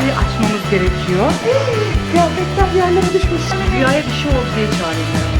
pastayı açmamız gerekiyor. Kıyafetler yerlere düşmüş. Rüyaya bir şey oldu diye çağırıyorum.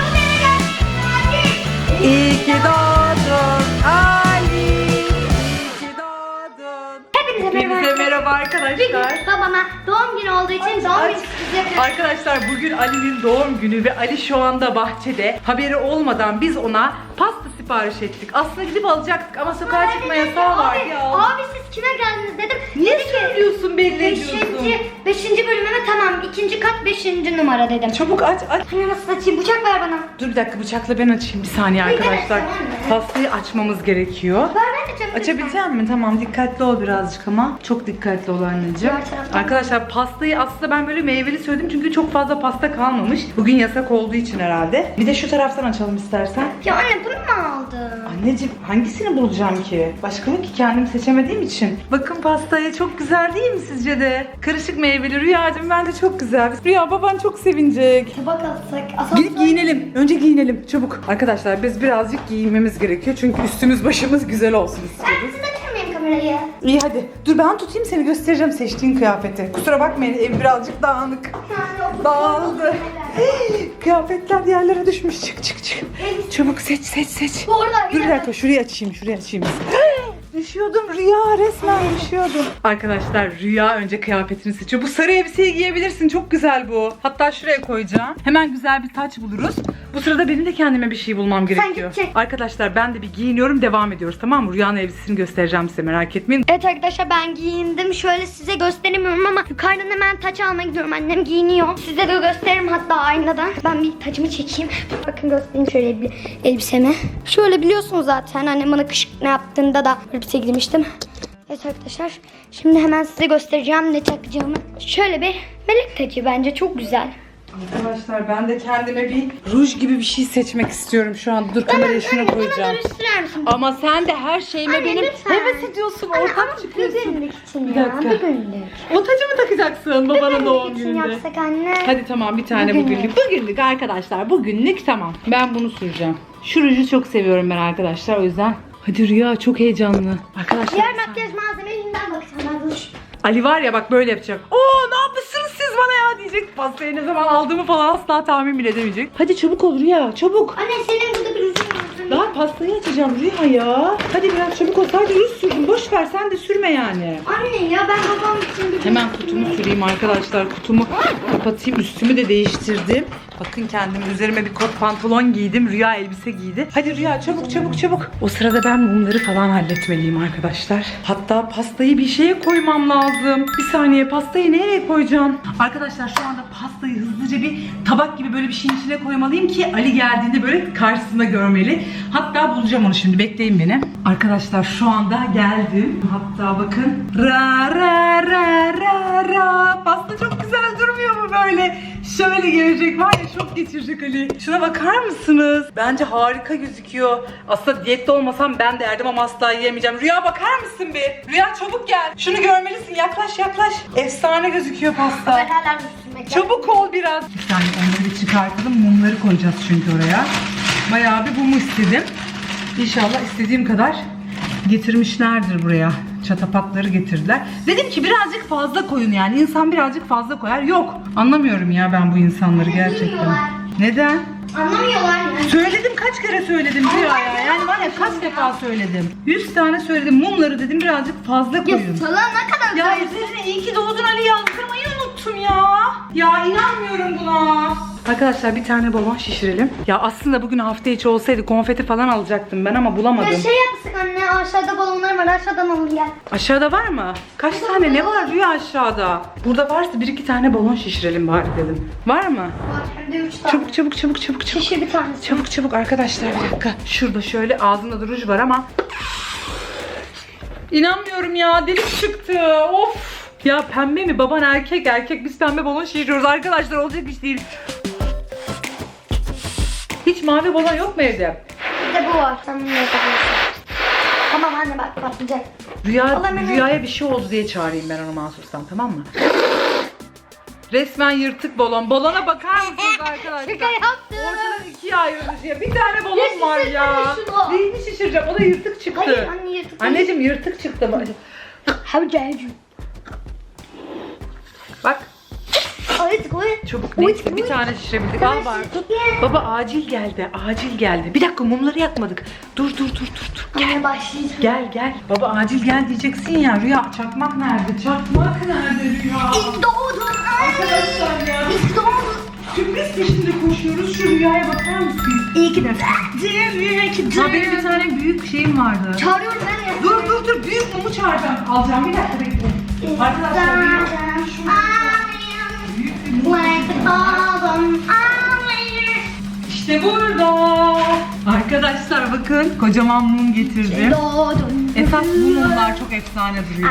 İyi ki doğdun Ali. İyi ki doğdun. Hepinize merhaba arkadaşlar. Babama doğum günü olduğu için doğum günü sürprizi yapıyoruz. Arkadaşlar bugün Ali'nin doğum günü ve Ali şu anda bahçede. Haberi olmadan biz ona pasta sipariş ettik. Aslında gidip alacaktık ama sokağa çıkma yasağı var ya. Abi siz kime geldiniz dedim. Niye söylüyorsun, belli ediyorsun? 5. bölümüme tamam. 2. kat 5. numara dedim. Çabuk aç. Hani nasıl açayım? Bıçak ver bana. Dur bir dakika, bıçakla ben açayım bir saniye arkadaşlar. evet, tamam. Pastayı açmamız gerekiyor. Ver ben açayım. Açabilecek misin? Tamam, dikkatli ol birazcık ama. Çok dikkatli ol anneciğim. Diğer taraftan. Arkadaşlar pastayı aslında ben böyle meyveli söyledim çünkü çok fazla pasta kalmamış. Bugün yasak olduğu için herhalde. Bir de şu taraftan açalım istersen. Ya anne bunu mu aldın? Anneciğim hangisini bulacağım ki? Başka mı ki, kendim seçemediğim için. Bakın pastaya, çok güzel değil mi sizce de? Karışık meyveli. Rüyacığım bence çok güzel. Rüya, baban çok sevinecek. Tabak alsak. Gidip giyinelim. Önce giyinelim çabuk. Arkadaşlar biz birazcık giyinmemiz gerekiyor çünkü üstümüz başımız güzel olsun Ben istiyoruz. size tutmayayım kamerayı. İyi hadi. Dur ben tutayım seni, göstereceğim seçtiğin kıyafeti. Kusura bakmayın, ev birazcık dağınık. Dağıldı. Kıyafetler yerlere düşmüş. Çık çık çık. Çabuk seç. Bu arada Dur bir dakika, şurayı açayım. Düşüyordum Rüya, resmen düşüyordum. Arkadaşlar Rüya önce kıyafetini seçiyor. Bu sarı elbiseyi giyebilirsin, çok güzel bu. Hatta şuraya koyacağım. Hemen güzel bir taç buluruz. Bu sırada benim de kendime bir şey bulmam gerekiyor. gidecek. Arkadaşlar ben de bir giyiniyorum, devam ediyoruz, tamam mı? Rüya'nın elbisesini göstereceğim size, merak etmeyin. Evet arkadaşlar ben giyindim. Şöyle size gösteremiyorum ama yukarıdan hemen taç almaya gidiyorum. Annem giyiniyor. Size de gösteririm hatta aynadan. Ben bir tacımı çekeyim. Bakın göstereyim şöyle bir elbisemi. Şöyle biliyorsunuz zaten annem bana kışkırtma yaptığında da elbise giymiştim. Evet arkadaşlar şimdi hemen size göstereceğim ne takacağımı. Şöyle bir melek tacı, bence çok güzel. Arkadaşlar ben de kendime bir ruj gibi bir şey seçmek istiyorum şu an. Dur kameraya şunu koyacağım. Bana sürer misin? Ama sen de her şeyime Anne, benim lütfen. heves ediyorsun, ortak çıkıyorsun. Bir günlük için Bir ya. dakika. Bir günlük. O tacı mı takacaksın babanın doğum Bir günlük için gününde? yapsak anne. Hadi tamam, bir tane Bugünlük. bugünlük arkadaşlar, bugünlük tamam. Ben bunu süreceğim. Şu ruju çok seviyorum ben arkadaşlar, o yüzden. Hadi Rüya, çok heyecanlı. Arkadaşlar Diğer makyaj malzemelerinden bakacağım ben. Dur. Ali var ya bak böyle yapacak. Oo, ne yapmışsınız siz bana ya diyecek. Pastayı ne zaman aldığımı falan asla tahmin bile edemeyecek. Hadi çabuk ol Rüya, çabuk. Anne senin burada bir rujun var. Daha pastayı açacağım Rüya ya. Hadi biraz çabuk ol, sadece ruj sürdüm. Boş ver, sen de sürme yani. Anne ya ben babam için bir Hemen kutumu süreyim arkadaşlar. Kutumu kapatayım. Üstümü de değiştirdim. Bakın kendime, üzerime bir kot pantolon giydim. Rüya elbise giydi. Hadi Rüya çabuk. O sırada ben mumları falan halletmeliyim arkadaşlar. Hatta pastayı bir şeye koymam lazım. Bir saniye, pastayı nereye koyacağım? Arkadaşlar şu anda pastayı hızlıca bir tabak gibi böyle bir şeyin içine koymalıyım ki Ali geldiğinde böyle karşısında görmeli. Hatta bulacağım onu şimdi. Bekleyin beni. Arkadaşlar şu anda geldim. Hatta bakın. Ra. Pasta çok güzel durmuyor mu böyle? Şöyle gelecek var ya, çok geçirecek Ali. Şuna bakar mısınız? Bence harika gözüküyor. Aslında diyette olmasam ben de yerdim ama asla yiyemeyeceğim. Rüya bakar mısın bir? Rüya çabuk gel. Şunu görmelisin. Yaklaş. Efsane gözüküyor pasta. Ben hala üstüme. Çabuk ol biraz. Bir saniye, onları bir çıkartalım. Mumları koyacağız çünkü oraya. Bayağı bir mum istedim. İnşallah istediğim kadar getirmişlerdir buraya. Çatapatları getirdiler. Dedim ki birazcık fazla koyun yani. İnsan birazcık fazla koyar. Yok. Anlamıyorum ya ben bu insanları gerçekten. Bilmiyorlar. Neden? Anlamıyorlar ya. Söyledim, kaç kere söyledim Rüya ya. Yani var ya, kaç defa söyledim. 100 tane söyledim. Mumları dedim birazcık fazla Ya koyun. sana ne kadar Ya üzerine iyi ki doğdun Ali yazdırmayı unuttum ya. Ya inanmıyorum buna. Arkadaşlar bir tane balon şişirelim. Ya aslında bugün hafta içi olsaydı konfeti falan alacaktım ben ama bulamadım. Ya şey yapsak anne, aşağıda balonlar var, aşağıdan alın gel. Aşağıda var mı? Kaç tane ne var Rüya aşağıda? Burada varsa 1-2 tane balon şişirelim bari dedim. Var mı? Var hem de 3 tane. Çabuk. Şişir bir tanesi. Çabuk arkadaşlar, bir dakika. Şurada şöyle ağzında da ruj var ama İnanmıyorum ya, delik çıktı. Of. Ya pembe mi? Baban erkek. Biz pembe balon şişiriyoruz arkadaşlar, olacak iş değil. Hiç mavi balon yok mu evde? Bir de bu var. Sen bunu yapabilirsin. Tamam anne bak patlayacak. Rüyaya bir şey oldu diye çağırayım ben onu mahsustan, tamam mı? Resmen yırtık balon. Balona bakar mısınız arkadaşlar? Şaka yaptım. Ortadan ikiye ayrılmış ya. Bir tane balon var şişirsene ya. şunu. Neyini şişireceğim? O da yırtık çıktı. Hayır anne yırtık. Anneciğim yırtık çıktı. How dare you? Bak. Ay, koy. Çabuk neyse bir tane şişirebildik. Al Bartu. Baba acil geldi. Acil geldi. Bir dakika mumları yakmadık. Dur. Gel başlayacağım. Gel. Baba acil gel diyeceksin ya. Rüya çakmak nerede? Çakmak nerede Rüya? İlk doğdun. Arkadaşlar ya. İlk doğdun. Sürpriz peşinde koşuyoruz. Şu Rüya'ya bakar mısınız? İyi ki de. Ha benim bir tane büyük şeyim vardı. Çağırıyorum ben ya. Dur. Büyük mumu çağıracağım. Alacağım bir dakika bekle. Arkadaşlar Rüya. Like the bottom. İşte burada. Arkadaşlar bakın kocaman mum getirdim. Doğdun. Esas bu mumlar çok efsane duruyor.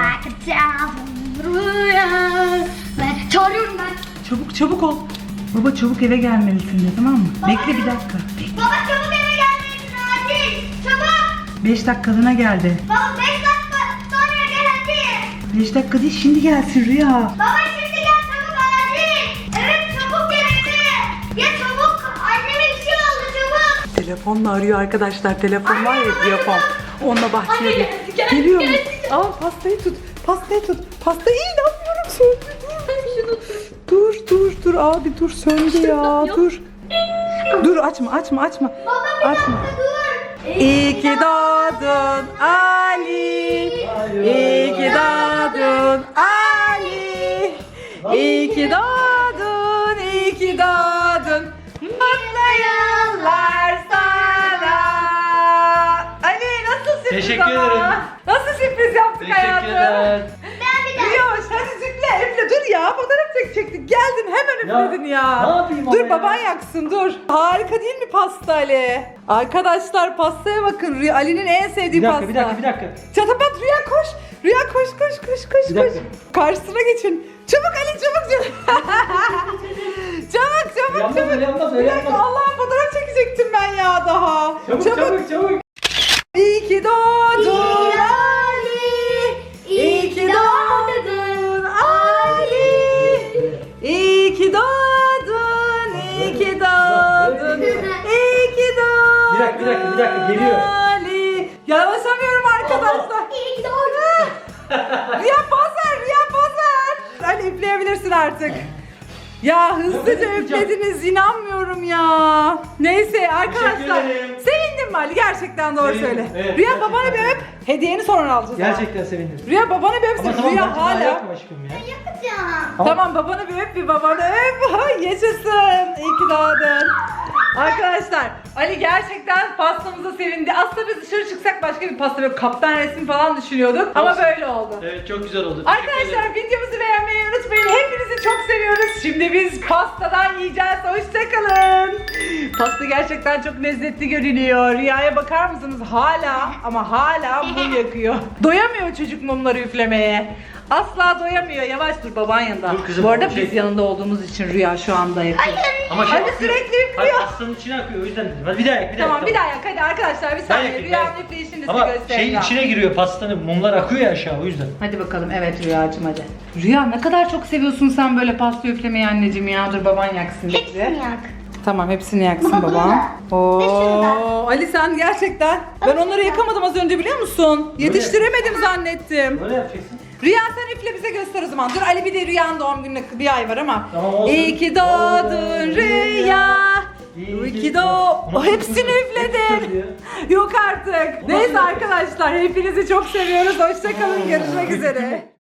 Çağırıyorum ben. Çabuk ol. Baba çabuk eve gelmelisin de tamam mı? Baba, Bekle bir dakika. Baba çabuk eve gelmelisin acil. Çabuk. 5 dakikalığına geldi. Baba 5 dakika sonra gel hadi. 5 dakika değil şimdi gelsin Rüya. Baba şimdi gel çabuk acil. Evet çabuk gel hadi. Ya çabuk. Anneme bir şey oldu çabuk. Telefonla arıyor arkadaşlar. Telefon var ya telefon. Onunla bahçeye Anne, git. gel, Geliyor mu? gel. Al pastayı tut. Pastayı inanmıyorum söndü. Dur abi dur söndü ya dur. Dur açma. Baba bir Açma. dakika dur. İyi ki doğdun Ali. İyi ki doğdun Ali. İyi ki doğdun, iyi ki doğdun. Mutlu yıllar sana. Ali nasıl sürpriz Teşekkür ama? ederim. Nasıl sürpriz yaptık hayatım? Teşekkürler. Ben bir daha. Yavaş hadi üfle dur ya fotoğraf çekecektik geldin hemen Ya, üfledin ya. ne yapayım Dur ama baban ya? yaksın dur. Harika değil mi pasta Ali? Arkadaşlar pastaya bakın Ali'nin en sevdiği Bir pasta. dakika. Çatapat Rüya koş. Rüya koş. Bir dakika. Karşısına geçin. Çabuk Ali çabuk. çabuk. Öyle yapmaz, öyle Bir dakika yapmaz. Allah'ım fotoğraf çekecektim ben ya daha. Çabuk. İyi ki doğdun Ali. İyi ki doğdun Ali. İyi ki doğdun. İyi ki doğdun. İyi ki doğdun. Bir dakika, geliyor. Ali. Yavaşlamıyorum arkadaşlar. İyi ki doğdun. Rüya pazar. Ali üfleyebilirsin artık. Ya hızlıca yapacağım? üflediniz inanmıyorum ya. Neyse arkadaşlar. ederim. Sevindin mi Ali? Gerçekten doğru Sevindim, söyle. evet, Rüya gerçekten. babana bir öp. Hediyeni sonra alacağız. ama. Gerçekten sevindim. Rüya babana bir öpsün. Ama tamam Rüya ben hala hala. yapma aşkım ya. Yapacağım. Tamam babanı bir babanı öp. Ay, yaşasın. İyi ki doğdun. Arkadaşlar Ali gerçekten pastamıza sevindi. Aslında biz dışarı çıksak başka bir pasta böyle kaptan resmi falan düşünüyorduk. Ama Olsun. böyle oldu. Evet çok güzel oldu. Teşekkür ederim. Arkadaşlar videomuzu beğenmeyi unutmayın. Hepinizi çok seviyoruz. Şimdi biz pastadan yiyeceğiz. Hoşçakalın. Pasta gerçekten çok lezzetli görünüyor. Rüyaya bakar mısınız? Hala mum yakıyor. Doyamıyor çocuk mumları üflemeye. Asla doyamıyor. Yavaş dur baban yanında. Dur kızım, Bu arada şey- biz yanında olduğumuz için Rüya şu anda yakıyor. Ama Hadi akıyor. sürekli üflüyor. Hayır pastanın içine akıyor o yüzden dedim. Hadi bir daha yak. Tamam bir daha yak hadi arkadaşlar bir saniye. yakayım, Rüyanın ben- üfleyişini size Ama göstereyim. şeyin içine giriyor pastanın. Mumlar akıyor ya aşağı o yüzden. Hadi bakalım evet Rüyacığım hadi. Rüya ne kadar çok seviyorsun sen böyle pasta üflemeyi anneciğim ya. Dur baban yaksın bizi. Hepsini yak. Tamam hepsini yaksın Baba, babam. bunu da. Ve şunu da. Oo, Ali sen gerçekten ben onları yakamadım az önce biliyor musun? Yetiştiremedim zannettim. Böyle yapacaksın. Rüya sen üfle bize göster o zaman. Dur Ali bir de Rüya'nın doğum gününe bir ay var ama. Tamam, olsun. İyi ki doğdun Rüya. İyi ki Bunu- hepsini üfledin. Yok artık. Neyse arkadaşlar hepinizi çok seviyoruz. Hoşçakalın. Görüşmek üzere.